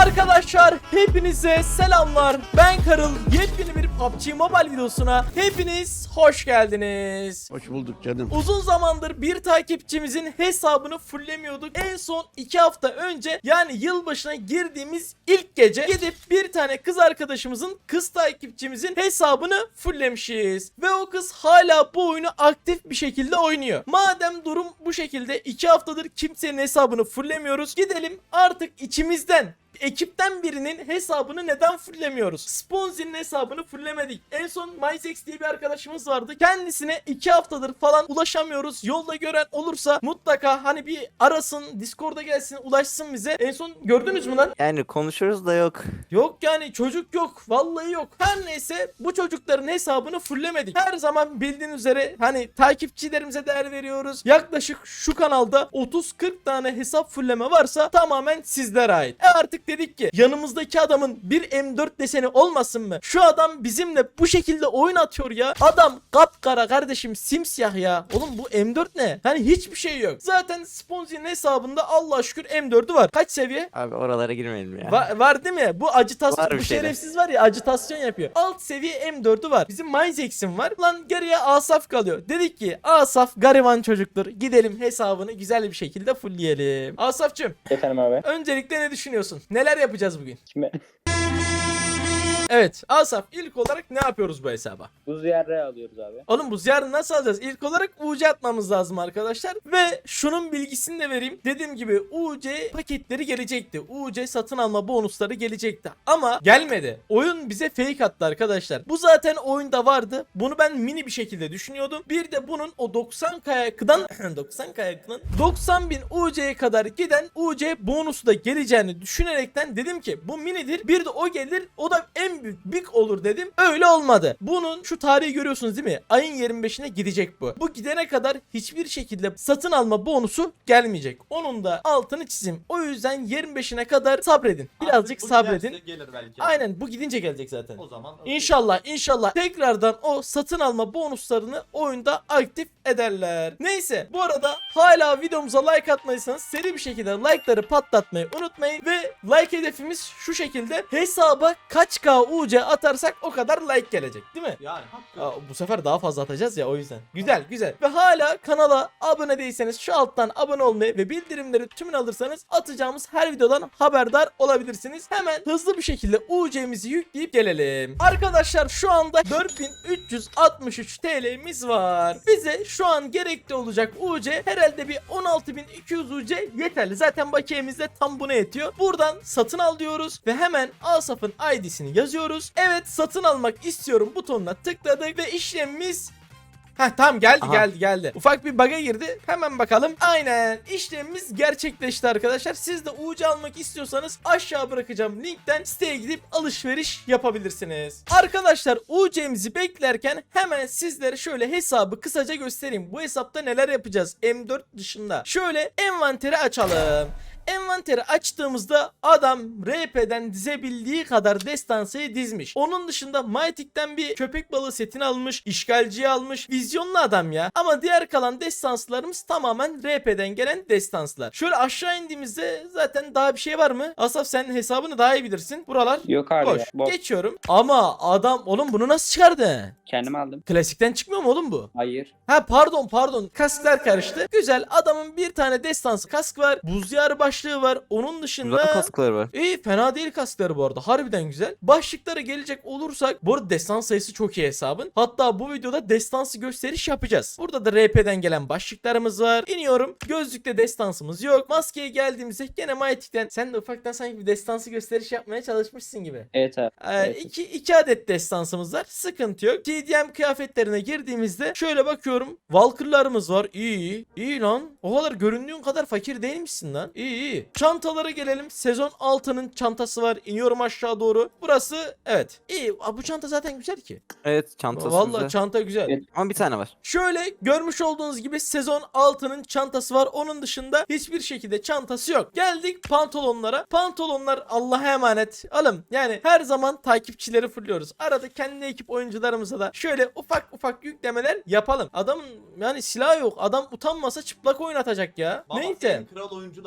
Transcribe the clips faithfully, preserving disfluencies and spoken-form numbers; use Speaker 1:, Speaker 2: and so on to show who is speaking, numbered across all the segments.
Speaker 1: Arkadaşlar hepinize selamlar. Ben Karıl. Yepyeni bir P U B G Mobile videosuna hepiniz hoş geldiniz.
Speaker 2: Hoş bulduk canım.
Speaker 1: Uzun zamandır bir takipçimizin hesabını fulllemiyorduk. En son iki hafta önce, yani yılbaşına girdiğimiz ilk gece gidip bir tane kız arkadaşımızın, kız takipçimizin hesabını fulllemişiz. Ve o kız hala bu oyunu aktif bir şekilde oynuyor. Madem durum bu şekilde, iki haftadır kimsenin hesabını fullemiyoruz, gidelim artık içimizden, ekipten birinin hesabını neden fullemiyoruz? Sponzi'nin hesabını fulllemedik. En son MyZex diye bir arkadaşımız vardı. Kendisine iki haftadır falan ulaşamıyoruz. Yolda gören olursa mutlaka hani bir arasın, Discord'a gelsin, ulaşsın bize. En son gördünüz mü lan?
Speaker 3: Yani konuşuruz da yok.
Speaker 1: Yok yani, çocuk yok. Vallahi yok. Her neyse, bu çocukların hesabını fulllemedik. Her zaman bildiğin üzere hani takipçilerimize değer veriyoruz. Yaklaşık şu kanalda otuz kırk tane hesap fullleme varsa tamamen sizlere ait. E artık dedik ki yanımızdaki adamın bir M dört deseni olmasın mı? Şu adam bizimle bu şekilde oyun atıyor ya. Adam kapkara kardeşim, simsiyah ya. Oğlum bu M dört ne? Hani hiçbir şey yok. Zaten Sponzi'nin hesabında Allah'a şükür M dördü var. Kaç seviye?
Speaker 3: Abi oralara girmeyelim ya.
Speaker 1: Va- var değil mi? Bu acitasyon,
Speaker 3: Var bir
Speaker 1: bu
Speaker 3: şeyler.
Speaker 1: şerefsiz var ya, acitasyon yapıyor. Alt seviye M dördü var. Bizim MyZex'in var. Lan geriye Asaf kalıyor. Dedik ki Asaf gariban çocuktur. Gidelim hesabını güzel bir şekilde fullleyelim. Asaf'cığım,
Speaker 4: Efendim abi.
Speaker 1: öncelikle ne düşünüyorsun? Neler yapacağız bugün?
Speaker 4: Şimdi
Speaker 1: Evet Asaf, ilk olarak ne yapıyoruz bu hesaba?
Speaker 4: buz yerre alıyoruz abi.
Speaker 1: Oğlum bu ziyarını nasıl alacağız? İlk olarak U C atmamız lazım arkadaşlar. Ve şunun bilgisini de vereyim. Dediğim gibi U C paketleri gelecekti. U C satın alma bonusları gelecekti. Ama gelmedi. Oyun bize fake attı arkadaşlar. Bu zaten oyunda vardı. Bunu ben mini bir şekilde düşünüyordum. Bir de bunun o doksan kayaktan doksan kayaktan doksan bin U C'ye kadar giden U C bonusu da geleceğini düşünerekten dedim ki bu minidir. Bir de o gelir. O da en büyük big olur dedim. Öyle olmadı. Bunun şu tarihi görüyorsunuz değil mi? Ayın yirmi beşine gidecek bu. Bu gidene kadar hiçbir şekilde satın alma bonusu gelmeyecek. Onun da altını çizim. O yüzden yirmi beşine kadar sabredin. Birazcık
Speaker 5: Artık bu
Speaker 1: sabredin.
Speaker 5: giderse gelir belki.
Speaker 1: Aynen, bu gidince gelecek zaten.
Speaker 5: O zaman
Speaker 1: İnşallah inşallah tekrardan o satın alma bonuslarını oyunda aktif ederler. Neyse, bu arada hala videomuza like atmadıysanız seri bir şekilde like'ları patlatmayı unutmayın ve like hedefimiz şu şekilde: hesaba kaç K U C atarsak o kadar like gelecek, değil mi?
Speaker 5: yani hakkı.
Speaker 1: Aa, bu sefer daha fazla atacağız ya, o yüzden. Güzel güzel. Ve hala kanala abone değilseniz şu alttan abone olmayı ve bildirimleri tümünü alırsanız atacağımız her videodan haberdar olabilirsiniz. Hemen hızlı bir şekilde U C'mizi yükleyip gelelim. Arkadaşlar şu anda dört bin üç yüz altmış üç T L'miz var. Bize şu an gerekli olacak U C herhalde bir on altı bin iki yüz U C yeterli. Zaten bakiyemiz de tam buna yetiyor. Buradan satın al diyoruz ve hemen Asaf'ın I D'sini yazıyoruz. Evet, satın almak istiyorum butonuna tıkladık ve işlemimiz... Heh tamam, geldi
Speaker 3: Aha.
Speaker 1: geldi geldi. Ufak bir bug'a girdi. Hemen bakalım. Aynen, işlemimiz gerçekleşti arkadaşlar. Siz de U C almak istiyorsanız aşağı bırakacağım linkten siteye gidip alışveriş yapabilirsiniz. Arkadaşlar U C'mizi beklerken hemen sizlere şöyle hesabı kısaca göstereyim. Bu hesapta neler yapacağız M dört dışında. Şöyle envanteri açalım. Envanteri açtığımızda adam R P'den dizebildiği kadar destansıyı dizmiş. Onun dışında Mytik'ten bir köpek balığı setini almış, işgalciyi almış. Vizyonlu adam ya. Ama diğer kalan destanslarımız tamamen R P'den gelen destanslar. Şöyle aşağı indiğimizde zaten daha bir şey var mı? Asaf, sen hesabını daha iyi bilirsin. Buralar
Speaker 4: Yok abi
Speaker 1: boş.
Speaker 4: ya. Boş.
Speaker 1: Geçiyorum. Ama adam, oğlum bunu nasıl çıkardı?
Speaker 4: Kendim aldım.
Speaker 1: Klasikten çıkmıyor mu oğlum bu?
Speaker 4: Hayır.
Speaker 1: Ha pardon pardon, kasklar karıştı. Güzel, adamın bir tane destansı kask var. Buz diyarı başlığı var. Onun dışında
Speaker 3: Güzel kaskları var.
Speaker 1: İyi, fena değil kaskları bu arada. Harbiden güzel. Başlıklara gelecek olursak, bu arada destan sayısı çok iyi hesabın. Hatta bu videoda destansı gösteriş yapacağız. Burada da R P'den gelen başlıklarımız var. İniyorum. Gözlükte destansımız yok. Maskeye geldiğimizde gene Mytik'ten, sen de ufaktan sanki bir destansı gösteriş yapmaya çalışmışsın gibi.
Speaker 4: Evet abi.
Speaker 1: Ee,
Speaker 4: Evet.
Speaker 1: iki, iki adet destansımız var. Sıkıntı yok. T D M kıyafetlerine girdiğimizde şöyle bakıyorum. Valkyr'larımız var. İyi. İyi lan. O kadar göründüğün kadar fakir değilmişsin lan. İyi iyi. Çantalara gelelim. Sezon altının çantası var. İniyorum aşağı doğru. Burası evet. İyi. Aa, bu çanta zaten güzel ki.
Speaker 3: Evet, çantası
Speaker 1: Vallahi
Speaker 3: güzel.
Speaker 1: çanta güzel.
Speaker 4: Evet.
Speaker 3: Ama bir tane var.
Speaker 1: Şöyle görmüş olduğunuz gibi sezon altının çantası var. Onun dışında hiçbir şekilde çantası yok. Geldik pantolonlara. Pantolonlar Allah'a emanet. Alım. Yani her zaman takipçileri fulluyoruz. Arada kendi ekip oyuncularımıza da şöyle ufak ufak yüklemeler yapalım. Adamın yani silahı yok. Adam utanmasa çıplak oynatacak ya.
Speaker 5: Baba
Speaker 1: Neyse.
Speaker 5: en kral oyuncular ama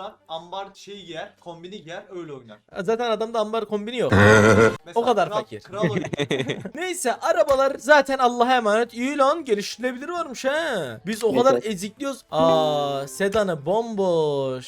Speaker 2: ambar şeyi giyer, kombini giyer, öyle oynar.
Speaker 1: Zaten adamda ambar kombini yok.
Speaker 2: Mesela
Speaker 1: O kadar
Speaker 2: kral,
Speaker 1: fakir.
Speaker 2: Kral oynar.
Speaker 1: Neyse arabalar zaten Allah'a emanet. İyi lan, geliştirilebilir varmış ha. Biz o
Speaker 4: Evet,
Speaker 1: kadar
Speaker 4: evet.
Speaker 1: ezikliyoruz. Aa, sedanı bomboş.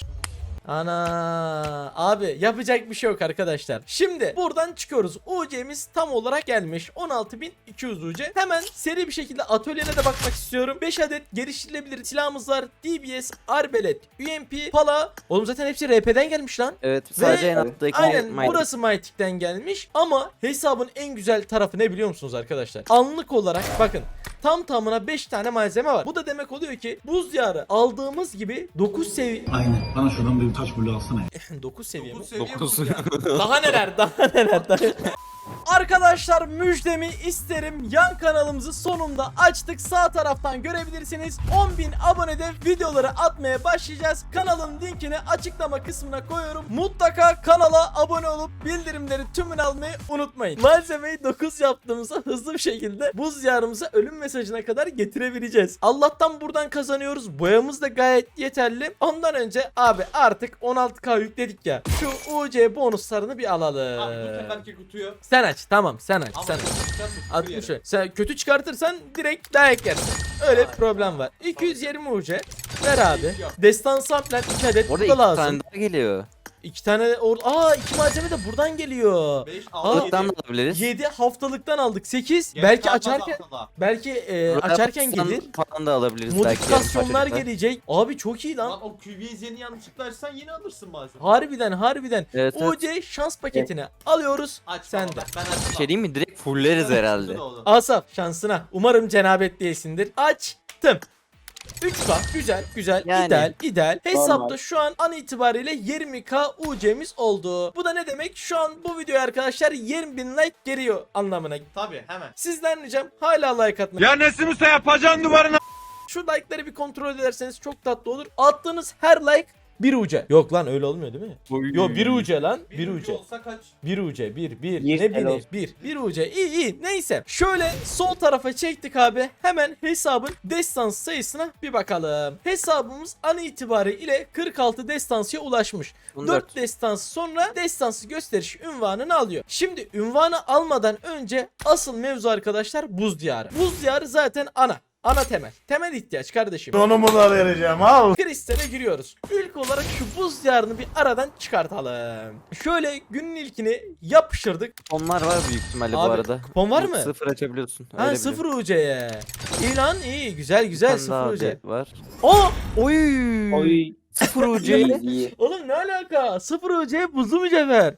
Speaker 1: Ana abi, yapacak bir şey yok arkadaşlar. Şimdi buradan çıkıyoruz. U C'miz tam olarak gelmiş. on altı bin iki yüz U C. Hemen seri bir şekilde atölyene de bakmak istiyorum. beş adet geliştirilebilir silahımız var. D B S, Arbelet, U M P, Pala. Oğlum zaten hepsi R P'den gelmiş lan.
Speaker 3: Evet sadece
Speaker 1: Ve-
Speaker 3: en alttaki
Speaker 1: Aynen
Speaker 3: Mighty.
Speaker 1: burası Mytik'ten gelmiş ama hesabın en güzel tarafı ne biliyor musunuz arkadaşlar? Anlık olarak bakın, tam tamına beş tane malzeme var. Bu da demek oluyor ki buz diyarı aldığımız gibi dokuz seviye
Speaker 5: Aynen. Bana şuradan bir taş bulu alsana.
Speaker 1: dokuz seviye mi?
Speaker 2: Dokuz seviye
Speaker 3: Dokuz.
Speaker 2: bu ya.
Speaker 1: Daha neler, daha neler, daha Arkadaşlar müjdemi isterim. Yan kanalımızı sonunda açtık. Sağ taraftan görebilirsiniz. on bin abonede videoları atmaya başlayacağız. Kanalın linkini açıklama kısmına koyuyorum. Mutlaka kanala abone olup bildirimleri tümünü almayı unutmayın. Malzemeyi dokuz yaptığımızda hızlı bir şekilde buz diyarımıza ölüm mesajına kadar getirebileceğiz. Allah'tan buradan kazanıyoruz. Boyamız da gayet yeterli. Ondan önce abi artık on altı K yükledik ya. Şu U C bonuslarını bir alalım.
Speaker 2: Abi bu seferki kutuyu.
Speaker 1: Sen aç, tamam sen aç,
Speaker 2: Ama
Speaker 1: sen aç.
Speaker 2: çıkarsın,
Speaker 1: altmış.
Speaker 2: yerim.
Speaker 1: Sen kötü çıkartırsan direkt dayak yersin. Öyle bir problem var. iki yüz yirmi U C. Ver abi. Destan sampler iki adet
Speaker 3: Orada
Speaker 1: burada
Speaker 3: iki
Speaker 1: lazım.
Speaker 3: tane daha geliyor.
Speaker 1: iki tane or Aa iki malzeme de buradan geliyor.
Speaker 2: beş,
Speaker 1: Aa,
Speaker 2: altı,
Speaker 3: Alttan da
Speaker 2: yedi.
Speaker 3: alabiliriz.
Speaker 1: yedi haftalıktan aldık. sekiz
Speaker 2: Gerçi
Speaker 1: belki
Speaker 2: daha
Speaker 1: açarken
Speaker 2: fazla aslında.
Speaker 1: belki e,
Speaker 3: Royal
Speaker 1: açarken
Speaker 3: Pass'tan
Speaker 1: gelir.
Speaker 3: falan da alabiliriz belki. yarım
Speaker 1: Modifikasyonlar
Speaker 3: parçacıkta.
Speaker 1: gelecek. Abi çok iyi lan.
Speaker 2: Lan o Q B Z'ni yanlışlıkla açsan yine alırsın bazen.
Speaker 1: Harbiden harbiden.
Speaker 3: Evet, evet.
Speaker 1: U C şans paketini alıyoruz.
Speaker 2: Aç
Speaker 1: Sen
Speaker 2: baba,
Speaker 1: de.
Speaker 2: Ben, ben açmam.
Speaker 3: Bir şey diyeyim mi? Direkt fulleriz herhalde.
Speaker 1: Asaf şansına. Umarım cenabet değilsindir. Açtım. üç K güzel güzel
Speaker 3: Yani.
Speaker 1: ideal ideal. Hesapta
Speaker 4: Normal.
Speaker 1: şu an an itibariyle yirmi K U C'miz oldu. Bu da ne demek? Şu an bu videoya arkadaşlar yirmi bin like geliyor anlamına.
Speaker 2: Tabii hemen.
Speaker 1: Sizden ricam hala like atmayı.
Speaker 6: Ya Nesimuse yapacaksın duvarına.
Speaker 1: Şu like'ları bir kontrol ederseniz çok tatlı olur. Attığınız her like bir U C. Yok lan öyle olmuyor değil mi? Yo bir U C lan.
Speaker 2: Bir,
Speaker 1: bir
Speaker 2: ucu
Speaker 1: U C.
Speaker 2: olsa kaç?
Speaker 1: bir U C bir bir
Speaker 4: Bir,
Speaker 1: ne bileyim
Speaker 4: helal.
Speaker 1: bir bir U C iyi iyi neyse şöyle sol tarafa çektik abi, hemen hesabın destans sayısına bir bakalım. Hesabımız an itibariyle kırk altı destansıya ulaşmış.
Speaker 3: on
Speaker 1: dört
Speaker 3: dört.
Speaker 1: destans sonra destansı gösteriş ünvanını alıyor. Şimdi ünvanı almadan önce asıl mevzu arkadaşlar buz diyarı. Buz diyarı zaten ana. Ana temel. Temel ihtiyaç kardeşim.
Speaker 6: Donumu da vereceğim al.
Speaker 1: Kristale giriyoruz. İlk olarak şu buz diyarını bir aradan çıkartalım. Şöyle günün ilkini yapıştırdık.
Speaker 3: Onlar var büyük ihtimalle bu
Speaker 1: Abi,
Speaker 3: arada.
Speaker 1: kupon var mı?
Speaker 3: Sıfır açabiliyorsun.
Speaker 1: Ha
Speaker 3: öyle
Speaker 1: sıfır
Speaker 3: biliyorum.
Speaker 1: U C'ye. İyi lan iyi güzel
Speaker 3: Bir
Speaker 1: güzel
Speaker 3: tane daha
Speaker 1: sıfır U C.
Speaker 3: update var.
Speaker 1: Aa!
Speaker 3: Oy.
Speaker 4: Oy.
Speaker 3: Sıfır U C.
Speaker 4: İyi, iyi.
Speaker 1: Oğlum ne alaka? sıfır U C buzlu mücevher.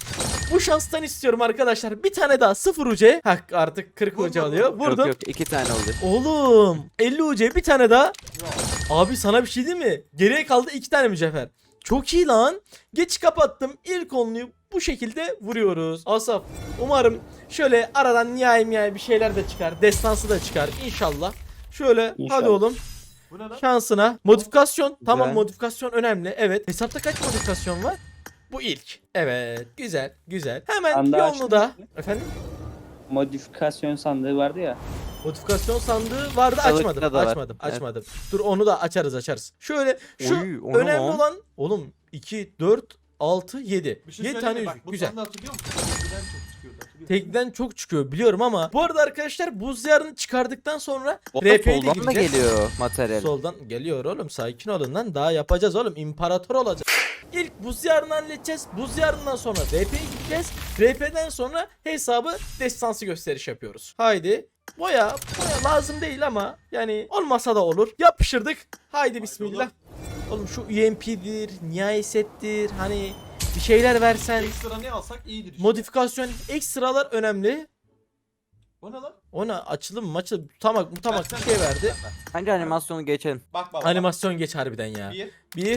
Speaker 1: Bu şanstan istiyorum arkadaşlar. Bir tane daha sıfır U C. Hak artık kırk
Speaker 2: Vur,
Speaker 1: U C
Speaker 2: vur,
Speaker 1: alıyor.
Speaker 2: vur.
Speaker 1: Vurdum.
Speaker 3: Yok yok iki tane oldu.
Speaker 1: Oğlum elli U C bir tane daha.
Speaker 2: Yok.
Speaker 1: Abi sana bir şey diyeyim mi? Geriye kaldı iki tane mücevher. Çok iyi lan. Geç kapattım. İlk onluyu bu şekilde vuruyoruz. Asaf umarım şöyle aradan nihai nihai bir şeyler de çıkar. Destansı da çıkar inşallah. Şöyle
Speaker 4: İnşallah.
Speaker 1: hadi oğlum
Speaker 2: Bu ne lan?
Speaker 1: şansına. Modifikasyon. Tamam
Speaker 3: Güzel.
Speaker 1: modifikasyon önemli. Evet. Hesapta kaç modifikasyon var? Bu ilk. Evet. Güzel. Güzel. Hemen
Speaker 4: Sandığı
Speaker 1: yolunu
Speaker 4: açtın
Speaker 1: da.
Speaker 4: mı?
Speaker 1: Efendim?
Speaker 4: Modifikasyon sandığı vardı ya.
Speaker 1: Modifikasyon sandığı vardı,
Speaker 3: Balıkta
Speaker 1: açmadım
Speaker 3: da var.
Speaker 1: açmadım
Speaker 3: Evet.
Speaker 1: açmadım. Dur onu da açarız açarız. Şöyle şu
Speaker 3: Oy, o ne
Speaker 1: önemli
Speaker 3: lan?
Speaker 1: olan oğlum iki dört altı yedi.
Speaker 2: Bir şey
Speaker 1: yedi
Speaker 2: söyleyeyim
Speaker 1: tane
Speaker 2: mi?
Speaker 1: yüzük
Speaker 2: Bak, bu
Speaker 1: güzel.
Speaker 2: sandığı hatırlıyor musun? Tekneden çok çıkıyordu, hatırlıyor musun?
Speaker 1: Tekten çok çıkıyor biliyorum ama bu arada arkadaşlar buz diyarını çıkardıktan sonra
Speaker 3: O da
Speaker 1: R P'ye de
Speaker 3: soldan da
Speaker 1: gireceğiz.
Speaker 3: geliyor materyal.
Speaker 1: Soldan geliyor oğlum, sakin olun lan, daha yapacağız oğlum, imparator olacağız. İlk buz diyarını halledeceğiz. Buz diyarından sonra R P'ye gideceğiz. R P'den sonra hesabı destansı gösteriş yapıyoruz. Haydi. Boya, boya lazım değil ama yani olmasa da olur. Yapıştırdık. Haydi bismillah. Oğlum şu U M P'dir, nihai settir, hani bir şeyler versen.
Speaker 2: Ekstra ne alsak iyidir işte.
Speaker 1: Modifikasyon ekstralar önemli.
Speaker 2: Bu ne lan?
Speaker 1: Ona açılım maçı tamak mutamak bir
Speaker 2: Versene.
Speaker 1: şey verdi.
Speaker 2: Ver, ver.
Speaker 3: Bence animasyonu geçelim.
Speaker 2: Bak baba.
Speaker 1: Animasyon geç harbiden ya.
Speaker 2: Bir,
Speaker 1: Bir,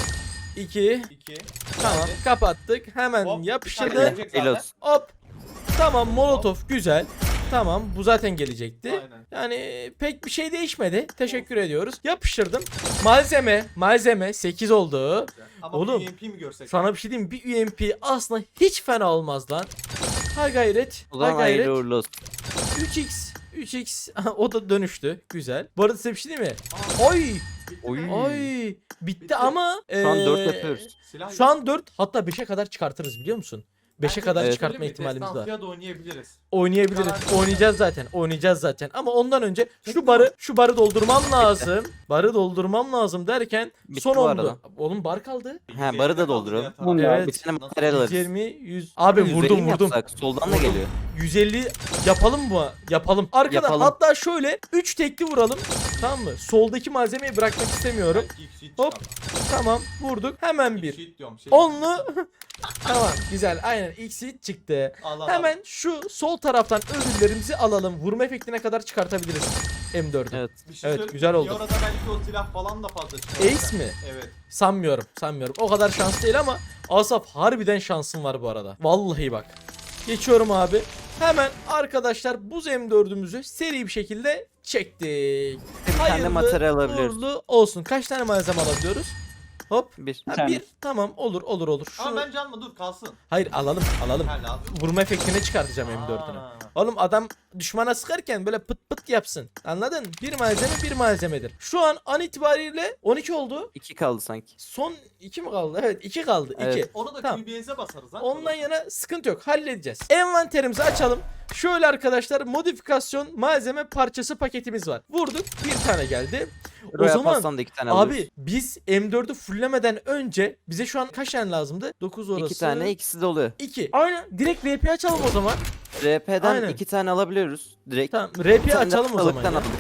Speaker 1: iki,
Speaker 2: iki.
Speaker 1: tamam kapattık. Hemen
Speaker 2: Hop, bir
Speaker 1: yapıştırdık.
Speaker 2: tane gelecek zaten.
Speaker 3: Elos.
Speaker 1: Hop. Tamam molotov güzel. Tamam bu zaten gelecekti.
Speaker 2: Aynen.
Speaker 1: Yani pek bir şey değişmedi. Teşekkür ediyoruz. Yapıştırdım. Malzeme, malzeme sekiz oldu.
Speaker 2: Ama
Speaker 1: Oğlum,
Speaker 2: bir U M P mi görsek?
Speaker 1: Sana bir şey diyeyim mi? Bir U M P aslında hiç fena olmaz lan. Ha gayret.
Speaker 3: O
Speaker 1: Ha
Speaker 3: zaman
Speaker 1: gayret.
Speaker 3: hayırlı uğurlu olsun.
Speaker 1: üç x. üç x. O da dönüştü. Güzel. Bu arada size bir şey diyeyim mi? Oy!
Speaker 3: Oy.
Speaker 1: Ay bitti,
Speaker 2: Bitti.
Speaker 1: ama
Speaker 3: Şu an dört
Speaker 1: eee,
Speaker 3: yapıyoruz.
Speaker 2: Silah
Speaker 1: Şu an dört, hatta beşe kadar çıkartırız biliyor musun? beşe kadar
Speaker 3: Evet.
Speaker 1: çıkartma ihtimalimiz var.
Speaker 2: Ya da oynayabiliriz.
Speaker 1: Oynayabiliriz.
Speaker 2: Garanti.
Speaker 1: Oynayacağız zaten. Oynayacağız zaten. Ama ondan önce şu barı şu barı doldurmam lazım. Barı doldurmam lazım derken
Speaker 3: Bitti
Speaker 1: son
Speaker 3: bu
Speaker 1: ondu.
Speaker 3: arada.
Speaker 1: Oğlum bar kaldı.
Speaker 3: Ha, barı da dolduralım.
Speaker 4: Tamam ya.
Speaker 1: Evet.
Speaker 3: Bir tane materyal alırız.
Speaker 1: yüz yirmi yüz. Abi
Speaker 3: yüz elli
Speaker 1: vurdum
Speaker 3: mi
Speaker 1: vurdum.
Speaker 3: yapsak? Soldan da geliyor.
Speaker 1: yüz elli yapalım mı? Yapalım. Arkada
Speaker 3: Yapalım.
Speaker 1: hatta şöyle üç tekli vuralım. Tamam mı? Soldaki malzemeyi bırakmak istemiyorum.
Speaker 2: Belki ilk sheet
Speaker 1: Hop.
Speaker 2: çıkar. şey
Speaker 1: Tamam vurduk. Hemen
Speaker 2: İlk
Speaker 1: bir.
Speaker 2: sheet diyorum, şey-
Speaker 1: Onlu. Tamam güzel. Aynen ilk seed çıktı.
Speaker 2: Al, al, al.
Speaker 1: Hemen şu sol taraftan ödüllerimizi alalım. Vurma efektine kadar çıkartabiliriz M dört'ü.
Speaker 3: Evet.
Speaker 2: Bir şey
Speaker 1: Evet,
Speaker 2: söyleyeyim
Speaker 1: güzel
Speaker 2: mi?
Speaker 1: oldu.
Speaker 2: Bir arada belki o silah falan da fazla çıkar.
Speaker 1: Ace mi?
Speaker 2: Evet.
Speaker 1: Sanmıyorum, sanmıyorum. O kadar şans değil ama Asaf harbiden şansın var bu arada. Vallahi bak. Geçiyorum abi. Hemen arkadaşlar buz M dördümüzü seri bir şekilde çektik.
Speaker 3: Bir tane materyal alabiliyoruz.
Speaker 1: uğurlu olsun. Kaç tane malzeme alabiliyoruz? Hop.
Speaker 3: Bir.
Speaker 1: Ha,
Speaker 4: tane.
Speaker 1: bir. Tamam olur olur olur. Şu...
Speaker 2: Ama bence alma, dur kalsın.
Speaker 1: Hayır alalım alalım.
Speaker 2: Ha, lazım.
Speaker 1: Vurma efektine çıkartacağım M dört'ünü.
Speaker 2: Aa.
Speaker 1: Oğlum adam düşmana sıkarken böyle pıt pıt yapsın. Anladın? Bir malzeme bir malzemedir. Şu an an itibariyle on iki oldu.
Speaker 3: İki kaldı sanki.
Speaker 1: Son iki mi kaldı? Evet iki kaldı.
Speaker 3: Evet.
Speaker 1: iki.
Speaker 2: Onu da
Speaker 1: Tamam.
Speaker 2: Q B S'e basarız ha.
Speaker 1: Ondan yana sıkıntı yok. Halledeceğiz. Envanterimizi açalım. Şöyle arkadaşlar modifikasyon malzeme parçası paketimiz var. Vurduk. Bir tane geldi. O
Speaker 3: Royal
Speaker 1: zaman
Speaker 3: Pass'tan da iki tane alıyoruz.
Speaker 1: abi biz M dört'ü fullemeden önce bize şu an kaç tane lazımdı? dokuz orası.
Speaker 3: İki tane, ikisi de oluyor.
Speaker 1: iki. Aynen. Direkt R P açalım o zaman.
Speaker 3: R P'den
Speaker 1: Aynen.
Speaker 3: iki tane alabiliyoruz. Direkt.
Speaker 1: Tamam. R
Speaker 3: Bir
Speaker 1: P
Speaker 3: tane de
Speaker 1: açalım o zaman.
Speaker 3: aralıktan
Speaker 1: ya.
Speaker 3: aldık.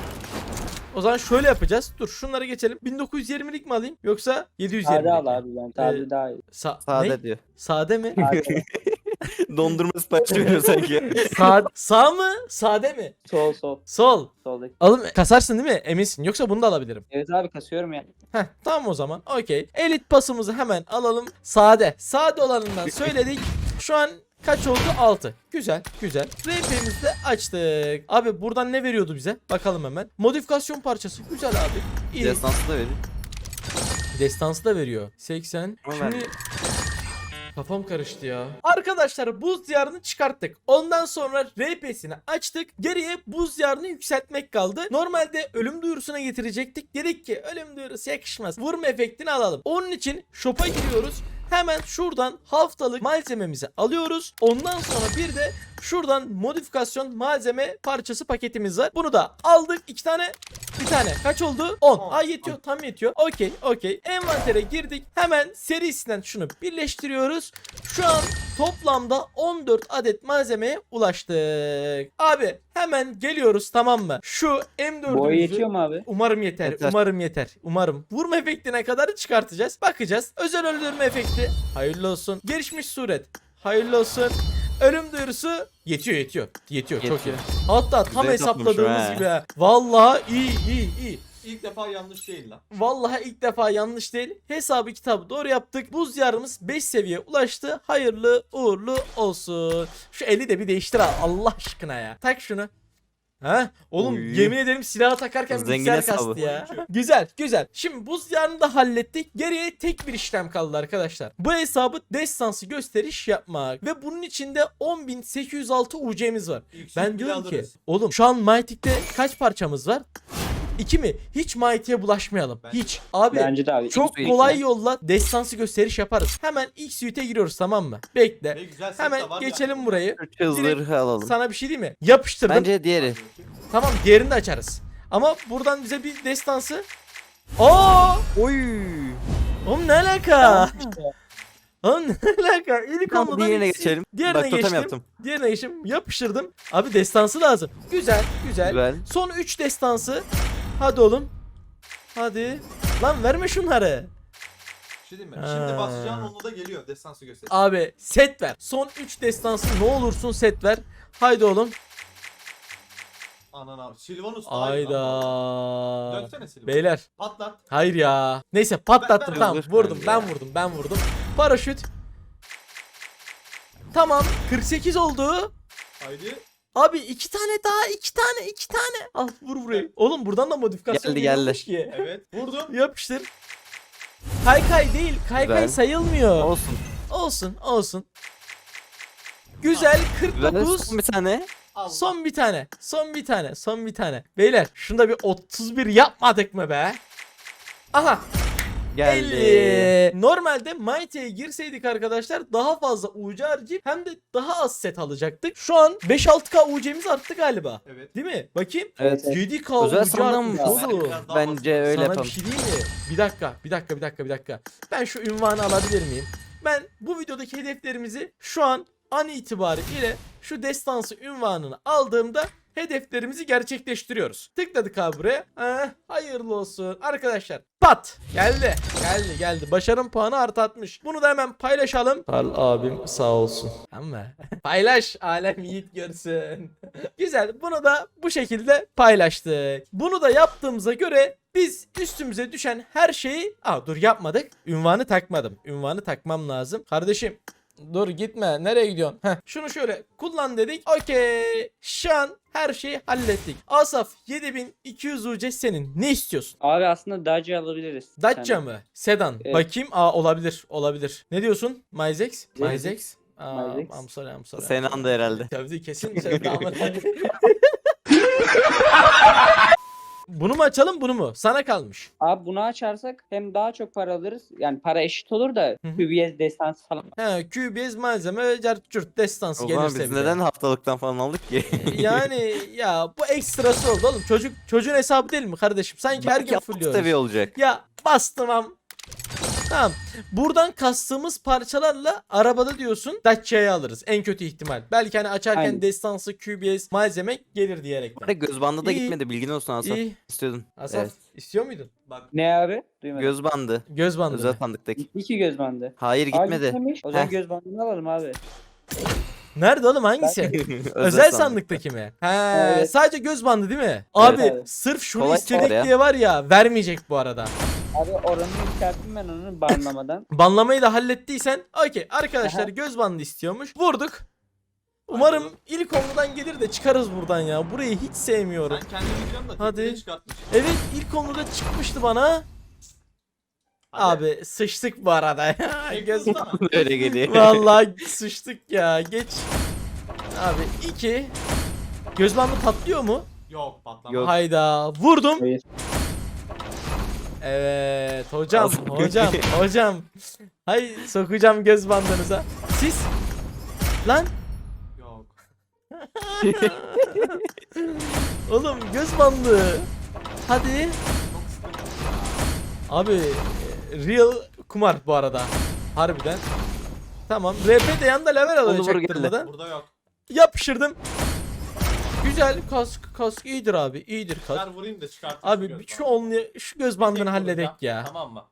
Speaker 1: O zaman şöyle yapacağız. Dur şunları geçelim. bin dokuz yüz yirmilik mi alayım yoksa yedi yüz yirmilik
Speaker 4: Sade al
Speaker 1: mi?
Speaker 4: abi ben. Sade
Speaker 1: Ee,
Speaker 4: daha iyi.
Speaker 1: Sa-
Speaker 3: Sade
Speaker 1: ne?
Speaker 3: diyor.
Speaker 1: Sade mi?
Speaker 4: Sade.
Speaker 3: Dondurma siparişi veriyor sanki.
Speaker 1: Sa sağ mı? Sade mi?
Speaker 4: Sol sol.
Speaker 1: Sol.
Speaker 4: Soldaki.
Speaker 1: Alım kasarsın değil mi? Eminsin. Yoksa bunu da alabilirim.
Speaker 4: Evet abi kasıyorum ya.
Speaker 1: Heh tamam o zaman. Okey. Elit pasımızı hemen alalım. Sade. Sade olanından söyledik. Şu an kaç oldu? altı. Güzel. Güzel. R P'mizi de açtık. Abi buradan ne veriyordu bize? Bakalım hemen. Modifikasyon parçası. Güzel abi. İyi.
Speaker 3: Destansı da veriyor.
Speaker 1: Destansı da veriyor. seksen.
Speaker 3: Ama
Speaker 1: Şimdi
Speaker 3: vermiyor.
Speaker 1: kafam karıştı ya. Arkadaşlar buz diyarını çıkarttık. Ondan sonra R P'sini açtık. Geriye buz diyarını yükseltmek kaldı. Normalde ölüm duyurusuna getirecektik. Dedik ki ölüm duyurusu yakışmaz. Vurma efektini alalım. Onun için shop'a giriyoruz. Hemen şuradan haftalık malzememizi alıyoruz. Ondan sonra bir de şuradan modifikasyon malzeme parçası paketimiz var. Bunu da aldık. iki tane. Bir tane. Kaç oldu? on.
Speaker 2: On.
Speaker 1: Ay yetiyor. Tam yetiyor. Okey. Okey. Envantere girdik. Hemen serisinden şunu birleştiriyoruz. Şu an toplamda on dört adet malzemeye ulaştık. Abi hemen geliyoruz tamam mı? Şu M dördümüzü
Speaker 4: Boy yetiyor mu abi?
Speaker 1: Umarım yeter,
Speaker 3: Yeter.
Speaker 1: umarım yeter. Umarım. Vurma efektine kadar çıkartacağız. Bakacağız. Özel öldürme efekti. Hayırlı olsun. Gelişmiş suret. Hayırlı olsun. Ölüm duyurusu yetiyor yetiyor. Yetiyor, çok iyi.
Speaker 3: Yetiyor.
Speaker 1: Hatta tam
Speaker 3: Güzel toplamış
Speaker 1: hesapladığımız
Speaker 3: ha.
Speaker 1: gibi. ha. Vallahi iyi iyi iyi.
Speaker 2: İlk defa yanlış değil lan.
Speaker 1: Vallahi ilk defa yanlış değil. Hesabı kitabı doğru yaptık. Buz yarımız beş seviye ulaştı. Hayırlı uğurlu olsun. Şu eli de bir değiştir ha. Allah aşkına ya. Tak şunu. Ha? Oğlum
Speaker 3: Oy.
Speaker 1: yemin ederim silahı takarken
Speaker 3: Zengin
Speaker 1: bilgisayar
Speaker 3: hesabı.
Speaker 1: kastı ya. Güzel güzel. Şimdi buz yarını da hallettik. Geriye tek bir işlem kaldı arkadaşlar. Bu hesabı destansı gösteriş yapmak. Ve bunun içinde on bin sekiz yüz altı U C'miz var.
Speaker 2: İlk
Speaker 1: Ben
Speaker 2: sheet bile
Speaker 1: diyorum ki
Speaker 2: alırız.
Speaker 1: oğlum şu an Mytik'te kaç parçamız var? İki mi? Hiç Mighty'ye bulaşmayalım.
Speaker 2: Bence-
Speaker 1: Hiç. Abi
Speaker 4: Bence de abi.
Speaker 1: çok
Speaker 3: X-Suite
Speaker 1: kolay
Speaker 3: ya.
Speaker 1: yolla destansı gösteriş yaparız. Hemen X-Suite'e giriyoruz tamam mı? Bekle.
Speaker 2: Ne güzel set
Speaker 1: Hemen
Speaker 2: de var ya.
Speaker 1: geçelim burayı.
Speaker 3: Üç hızları alalım.
Speaker 1: Sana bir şey diyeyim mi? Yapıştırdım.
Speaker 3: Bence diğeri.
Speaker 1: Tamam diğerini de açarız. Ama buradan bize bir destansı. Aa!
Speaker 3: Oy.
Speaker 1: Oğlum ne alaka? Oğlum ne alaka? İlk
Speaker 3: Tamam,
Speaker 1: onludan
Speaker 3: diğerine
Speaker 1: ikisi-
Speaker 3: geçelim.
Speaker 1: Diğerine
Speaker 3: Bak, totem
Speaker 1: geçtim.
Speaker 3: yaptım.
Speaker 1: Diğerine geçtim. Yapıştırdım. Abi destansı lazım. Güzel, güzel.
Speaker 3: Güzel.
Speaker 1: Son üç destansı. Hadi oğlum. Hadi. Lan verme şunları.
Speaker 2: Bir şey diyeyim mi?
Speaker 1: Ha.
Speaker 2: Şimdi basacağın onu da geliyor. Destansı göster.
Speaker 1: Abi set ver. Son üç destansı ne olursun set ver. Haydi oğlum.
Speaker 2: Anana. Silvanus daha iyi lan.
Speaker 1: Ayda.
Speaker 2: Dönsene Silvanus.
Speaker 1: Beyler.
Speaker 2: Patlat.
Speaker 1: Hayır ya. Neyse patlattım
Speaker 2: Ben- ben-
Speaker 1: tamam.
Speaker 3: Hızlı
Speaker 1: Vurdum
Speaker 3: bence
Speaker 1: ben
Speaker 3: ya.
Speaker 1: vurdum ben vurdum. Paraşüt. Tamam. kırk sekiz oldu.
Speaker 2: Haydi.
Speaker 1: Abi iki tane daha iki tane iki tane. Al vur burayı. Oğlum buradan da modifikasyon
Speaker 3: Geldi, geldi.
Speaker 1: geliyormuş ki.
Speaker 2: Evet. Vurdum.
Speaker 1: Yapıştır. Kaykay değil. Kaykay
Speaker 3: Güzel.
Speaker 1: sayılmıyor.
Speaker 3: Olsun.
Speaker 1: Olsun olsun. Güzel kırk
Speaker 3: Güzel.
Speaker 1: dokuz.
Speaker 3: Son bir tane.
Speaker 2: Allah.
Speaker 1: Son bir tane. Son bir tane. Son bir tane. Beyler şunda bir otuz bir yapmadık mı be? Aha.
Speaker 3: Geldi.
Speaker 1: elli. Normalde Mighty'ye girseydik arkadaşlar daha fazla U C harcayıp hem de daha az set alacaktık. Şu an beş altı K U C'miz arttı galiba.
Speaker 2: Evet.
Speaker 1: Değil mi? Bakayım.
Speaker 4: Evet, evet.
Speaker 1: yedi K
Speaker 3: Özel
Speaker 1: U C
Speaker 3: sandan
Speaker 1: artmış
Speaker 3: mı?
Speaker 1: oğlum.
Speaker 2: Biraz daha
Speaker 3: Bence
Speaker 2: basit.
Speaker 3: öyle
Speaker 1: Sana
Speaker 3: yapalım.
Speaker 1: bir şey diyeyim mi? Bir dakika, bir dakika, bir dakika, bir dakika. Ben şu ünvanı alabilir miyim? Ben bu videodaki hedeflerimizi şu an an itibariyle şu destansı ünvanını aldığımda hedeflerimizi gerçekleştiriyoruz. Tıkladık abi buraya. Eh, hayırlı olsun. Arkadaşlar pat geldi. Geldi geldi. Başarım puanı artatmış. Bunu da hemen paylaşalım. Karl abim sağ olsun. Ama paylaş alem yiğit görsün. Güzel. Bunu da bu şekilde paylaştık. Bunu da yaptığımıza göre biz üstümüze düşen her şeyi... Aa dur yapmadık. Ünvanı takmadım. Ünvanı takmam lazım. Kardeşim dur gitme. Nereye gidiyorsun? Heh, şunu şöyle kullan dedik. Okey. Şu an her şeyi hallettik. Asaf yedi bin iki yüz U C senin. Ne istiyorsun?
Speaker 4: Abi aslında Dacia alabiliriz.
Speaker 1: Dacia
Speaker 4: Yani.
Speaker 1: mı? Sedan.
Speaker 4: Evet.
Speaker 1: Bakayım. Aa olabilir. Olabilir. Ne diyorsun? Myzex? Myzex? Aa,
Speaker 4: Myzex.
Speaker 1: I'm sorry, I'm sorry.
Speaker 3: Senan da herhalde.
Speaker 1: Tabii kesin sövdü ama. Bunu mu açalım bunu mu? Sana kalmış.
Speaker 4: Abi bunu açarsak hem daha çok para alırız. Yani para eşit olur da
Speaker 1: Hı hı.
Speaker 4: Q B S destansı falan.
Speaker 1: He, Q B S malzeme, cart destansı
Speaker 3: O zaman
Speaker 1: gelirse
Speaker 3: biz
Speaker 1: bile.
Speaker 3: neden haftalıktan falan aldık ki?
Speaker 1: Yani ya bu ekstrası oldu oğlum. Çocuk çocuğun hesabı değil mi kardeşim? Sanki her gün
Speaker 3: Belki alt
Speaker 1: fulluyoruz.
Speaker 3: seviye olacak.
Speaker 1: Ya bastım am. Tamam. Buradan kastığımız parçalarla arabada diyorsun Dacia'yı alırız. En kötü ihtimal. Belki hani açarken
Speaker 4: Aynen.
Speaker 1: destansı Q B S malzeme gelir diyerekten.
Speaker 3: Bana göz bandı da
Speaker 1: İyi.
Speaker 3: gitmedi, bilgin olsun Asaf.
Speaker 1: İyi.
Speaker 3: İstiyordun.
Speaker 1: Asaf
Speaker 3: Evet.
Speaker 1: istiyor muydun?
Speaker 2: Bak
Speaker 4: Ne abi? Duymadım.
Speaker 3: Göz bandı.
Speaker 1: Göz bandı.
Speaker 3: Özel
Speaker 1: mı?
Speaker 3: sandıktaki.
Speaker 4: İki göz bandı.
Speaker 3: Hayır
Speaker 4: Aa,
Speaker 3: gitmedi.
Speaker 4: gitmemiş. O zaman
Speaker 3: Heh.
Speaker 4: göz bandını alalım abi.
Speaker 1: Nerede oğlum hangisi? Özel sandıktaki mi? He,
Speaker 4: Evet.
Speaker 1: sadece göz bandı değil mi? Abi
Speaker 4: abi.
Speaker 1: sırf şunu
Speaker 3: Kolay
Speaker 1: istedik
Speaker 3: var ya.
Speaker 1: diye var ya vermeyecek bu arada.
Speaker 4: Abi oranını yükselttim ben onu banlamadan.
Speaker 1: Banlamayı da hallettiysen okey. Arkadaşlar
Speaker 4: Aha.
Speaker 1: göz bandı istiyormuş. Vurduk. Umarım ilk onludan gelir de çıkarız buradan ya. Burayı hiç sevmiyorum.
Speaker 2: sen kendini biliyorsun da
Speaker 1: Hadi.
Speaker 2: tekniği çıkartmışsın.
Speaker 1: Evet ilk onluda çıkmıştı bana.
Speaker 2: Hadi.
Speaker 1: Abi sıçtık bu arada ya.
Speaker 2: Tek
Speaker 1: Göz
Speaker 2: hızlı mı?
Speaker 3: Öyle geliyor.
Speaker 1: Vallahi sıçtık ya. Geç. Abi iki. Göz bandı patlıyor mu?
Speaker 2: Yok patlama.
Speaker 3: Yok.
Speaker 1: Hayda. Vurdum.
Speaker 4: Hayır.
Speaker 1: Evet hocam
Speaker 3: Nasıl?
Speaker 1: hocam hocam. Hay sokacağım göz bandınıza. Siz? Lan
Speaker 2: Yok.
Speaker 1: oğlum göz bandı. Hadi.
Speaker 2: Çok sıkıntı.
Speaker 1: Abi e, real kumar bu arada. Harbiden. Tamam. R P de yanında level alıyor
Speaker 3: Onu vur geldi.
Speaker 1: çaktırmadan.
Speaker 2: Burada yok.
Speaker 1: Yapıştırdım. Güzel kask kask iyidir abi iyidir
Speaker 2: Ver
Speaker 1: kask.
Speaker 2: vurayım da çıkartayım.
Speaker 1: Abi
Speaker 2: göz
Speaker 1: bir şu
Speaker 2: bandını.
Speaker 1: onlu şu göz bandını
Speaker 2: Tek
Speaker 1: halledek
Speaker 2: vuracağım,
Speaker 1: ya.
Speaker 2: Tamam mı?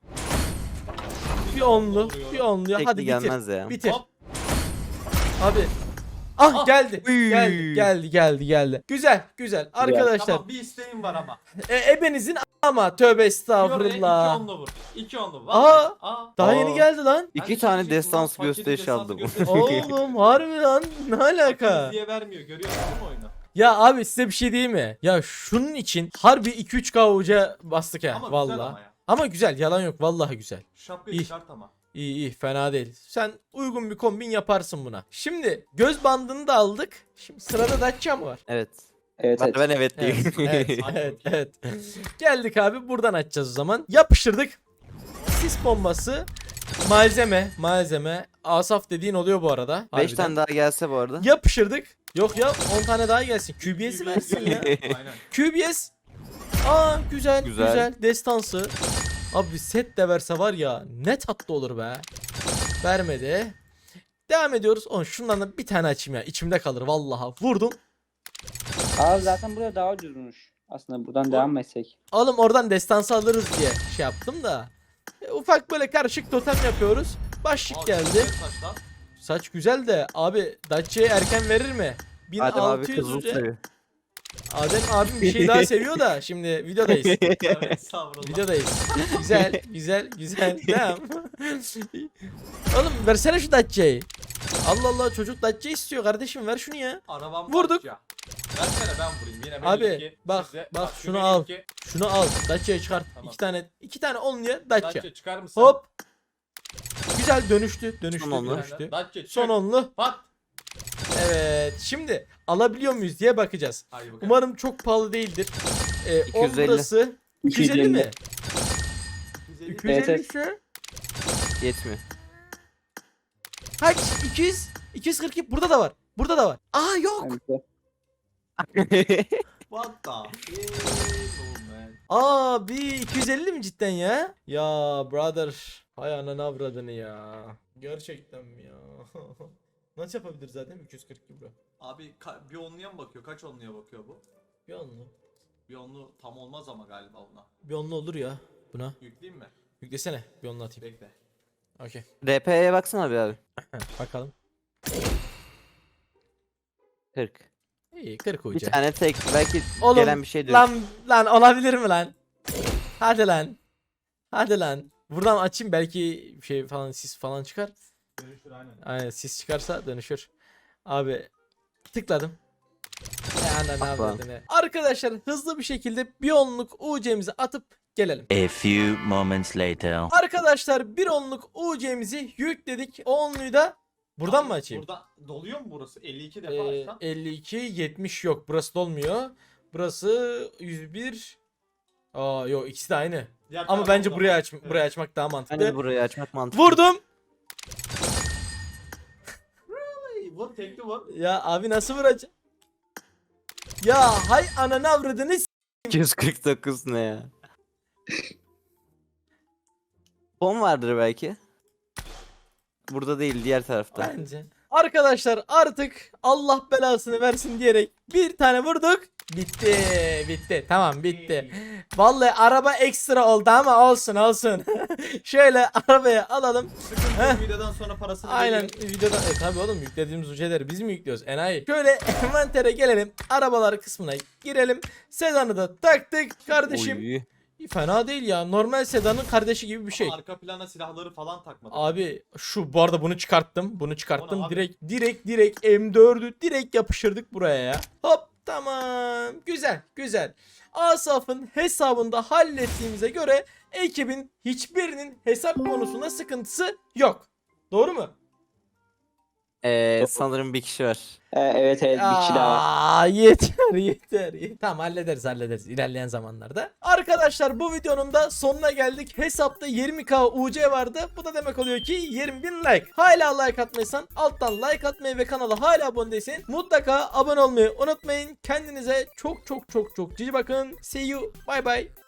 Speaker 1: Bir onlu
Speaker 2: Vuruyorum.
Speaker 1: bir onlu hadi
Speaker 3: Tekli
Speaker 1: bitir.
Speaker 3: gelmez ya.
Speaker 1: Bitir.
Speaker 2: Hop.
Speaker 1: Abi. Ah
Speaker 2: Ah.
Speaker 1: geldi.
Speaker 3: Uy.
Speaker 1: Geldi geldi geldi geldi. Güzel güzel. Arkadaşlar
Speaker 2: Tamam bir isteğim var ama.
Speaker 1: e, ebenizin ama tövbe
Speaker 2: Oraya iki
Speaker 1: estağfurullah.
Speaker 2: onlu vur. İki onlu.
Speaker 1: Aa.
Speaker 2: Vallahi. Aa.
Speaker 1: Daha
Speaker 3: Aa.
Speaker 1: yeni geldi lan.
Speaker 2: Ben
Speaker 3: İki
Speaker 2: de
Speaker 3: tane
Speaker 2: söyleyecektim
Speaker 3: destans
Speaker 2: lan, paketi
Speaker 3: gösteriş
Speaker 2: destansı
Speaker 3: aldım.
Speaker 2: gösteriş.
Speaker 1: Oğlum harbi lan ne alaka?
Speaker 2: diye vermiyor. Görüyorsun değil mi oyunu?
Speaker 1: Ya abi size bir şey diyeyim mi? Ya şunun için harbi iki üç K uca bastık ha
Speaker 2: Ama güzel
Speaker 1: vallahi.
Speaker 2: ama ya.
Speaker 1: Ama güzel yalan yok vallahi güzel.
Speaker 2: Şu şapkayı
Speaker 1: İyi.
Speaker 2: çıkart ama.
Speaker 1: İyi iyi fena değil. Sen uygun bir kombin yaparsın buna. Şimdi göz bandını da aldık. Şimdi sırada Dacia mı var?
Speaker 3: Evet.
Speaker 4: Evet
Speaker 3: Ben,
Speaker 4: evet.
Speaker 3: ben evet
Speaker 1: Evet,
Speaker 3: diyeyim.
Speaker 1: evet,
Speaker 2: Hadi
Speaker 1: evet,
Speaker 2: bakayım.
Speaker 1: evet. Geldik abi buradan açacağız o zaman. Yapıştırdık. Sis bombası. Malzeme, malzeme. Asaf dediğin oluyor bu arada.
Speaker 3: Beş
Speaker 1: harbiden.
Speaker 3: tane daha gelse bu arada.
Speaker 1: Yapıştırdık. Yok ya on tane daha gelsin. Q B S'i versin ya.
Speaker 2: Aynen.
Speaker 1: Q B S. Aa güzel, güzel
Speaker 3: Güzel.
Speaker 1: destansı. Abi set de verse var ya ne tatlı olur be. Vermedi. Devam ediyoruz. On şundan da bir tane açayım ya. İçimde kalır vallahi. Vurdum.
Speaker 4: Abi zaten burada daha ucuzmuş. Aslında buradan devam etsek.
Speaker 1: Oğlum oradan destansı alırız diye şey yaptım da. E, ufak böyle karışık totem yapıyoruz. Başlık
Speaker 2: Aa,
Speaker 1: geldi.
Speaker 2: güzel saç lan.
Speaker 1: Saç güzel de abi Dacia'yı erken verir mi?
Speaker 3: Adem abi
Speaker 1: bin altı yüz
Speaker 3: kızıl
Speaker 1: uca.
Speaker 3: seviyor.
Speaker 1: Adem abim bir şey daha seviyor da şimdi videodayız.
Speaker 2: Evet estağfurullah.
Speaker 1: Videodayız. Güzel, güzel, güzel. Tamam. Oğlum versene şu Dacia'yı. Allah Allah çocuk Dacia istiyor kardeşim ver şunu ya.
Speaker 2: Arabam
Speaker 1: Vurduk.
Speaker 2: Dacia. Versene ben vurayım yine.
Speaker 1: Abi,
Speaker 2: benimki
Speaker 1: bak,
Speaker 2: size-
Speaker 1: bak,
Speaker 2: şu
Speaker 1: şunu al.
Speaker 2: benimki.
Speaker 1: Şunu al. Dacia'yı çıkart.
Speaker 2: Tamam.
Speaker 1: İki tane iki tane onluya Dacia.
Speaker 2: Dacia çıkar mısın?
Speaker 1: Hop. Güzel dönüştü. Dönüştü.
Speaker 3: Son onlu.
Speaker 1: dönüştü.
Speaker 2: Dacia çık.
Speaker 1: Son onlu.
Speaker 2: Pat.
Speaker 1: Evet. Şimdi alabiliyor muyuz diye bakacağız.
Speaker 2: Hadi bakalım.
Speaker 1: Umarım çok pahalı değildir. Ee,
Speaker 3: iki yüz elli.
Speaker 1: ondası iki yüz elli mi? iki yüz elli
Speaker 4: Evet,
Speaker 1: ise
Speaker 3: Yetmiyor.
Speaker 1: kaç? iki yüz iki yüz kırk iki burada da var. Burada da var. Aa yok.
Speaker 4: Evet.
Speaker 2: What the hell man.
Speaker 1: Abi iki yüz elli mi cidden ya? Ya brother. Hay ananı avradını ya. Gerçekten mi ya? Nasıl yapabilir zaten iki yüz kırk iki bro?
Speaker 2: Abi ka- bir onluya mı bakıyor? Kaç onluya bakıyor bu?
Speaker 1: Bir onlu.
Speaker 2: Bir onlu tam olmaz ama galiba ona.
Speaker 1: Bir onlu olur ya buna.
Speaker 2: Yükleyeyim mi?
Speaker 1: Yüklesene bir onlu atayım.
Speaker 2: Bekle.
Speaker 1: Okey.
Speaker 3: R P'ye baksana bir abi.
Speaker 1: Bakalım.
Speaker 3: kırk.
Speaker 1: İyi kırk
Speaker 3: Bir
Speaker 1: uca.
Speaker 3: tane tek belki
Speaker 1: Oğlum,
Speaker 3: gelen bir şey diyor.
Speaker 1: Lan lan olabilir mi lan? Hadi lan. Hadi lan. Buradan açayım belki şey falan sis falan çıkar.
Speaker 2: Dönüşür aynen.
Speaker 1: Aynen sis çıkarsa dönüşür. Abi tıkladım. Ya ne
Speaker 3: Bak lan.
Speaker 1: yapıyordun? Arkadaşlar hızlı bir şekilde bir onluk U C'mizi atıp gelelim.
Speaker 7: A few moments later.
Speaker 1: Arkadaşlar bir onluk U C'mizi yükledik. O onluyu da buradan mı açayım?
Speaker 2: Burada doluyor mu burası? elli iki defa
Speaker 1: Ee,
Speaker 2: açsam.
Speaker 1: elli iki yetmiş yok. Burası dolmuyor. Burası yüz bir. Aa yok ikisi de aynı.
Speaker 2: Diğer
Speaker 1: Ama
Speaker 2: taraf
Speaker 1: bence
Speaker 2: oldu
Speaker 1: buraya
Speaker 2: ama.
Speaker 1: aç
Speaker 2: Evet.
Speaker 1: buraya açmak daha
Speaker 3: Bence de
Speaker 1: mantıklı.
Speaker 3: burayı açmak mantıklı.
Speaker 1: Vurdum.
Speaker 2: Ay, vur tekli vur.
Speaker 1: Ya abi nasıl vuracağım? Ya hay ananı avradını s-
Speaker 3: iki yüz kırk dokuz ne ya? Bom vardır belki. Burada değil, diğer tarafta.
Speaker 1: bence. Arkadaşlar artık Allah belasını versin diyerek bir tane vurduk. Bitti. Bitti. Tamam bitti. Vallahi araba ekstra oldu ama olsun olsun. Şöyle arabaya alalım. Heh.
Speaker 2: Sıkıntı videodan sonra parasını
Speaker 1: Aynen
Speaker 2: veriyorum.
Speaker 1: videoda e, tabi oğlum yüklediğimiz uceleri biz mi yüklüyoruz enayi. Şöyle envantere gelelim, arabalar kısmına girelim. Sedanı da taktık kardeşim.
Speaker 3: Oy.
Speaker 1: Fena değil ya, normal sedanın kardeşi gibi bir şey.
Speaker 2: Ama arka plana silahları falan takmadım.
Speaker 1: Abi şu bu arada bunu çıkarttım. Bunu
Speaker 2: O
Speaker 1: çıkarttım.
Speaker 2: ne abi?
Speaker 1: Direkt direkt direkt M dördü direkt yapıştırdık buraya ya. Hop tamam. Güzel güzel. Asaf'ın hesabında hallettiğimize göre ekibin hiçbirinin hesap konusunda sıkıntısı yok. Doğru mu?
Speaker 3: Ee, sanırım bir kişi var.
Speaker 4: Ee, evet evet bir kişi daha var.
Speaker 1: Aa, yeter yeter. yeter. Tamam hallederiz hallederiz ilerleyen zamanlarda. Arkadaşlar bu videonun da sonuna geldik. Hesapta yirmi K U C vardı. Bu da demek oluyor ki yirmi bin like. Hala like atmaysan alttan like atmayı ve kanala hala abone değilsen mutlaka abone olmayı unutmayın. Kendinize çok çok çok çok cici bakın. See you. Bye bye.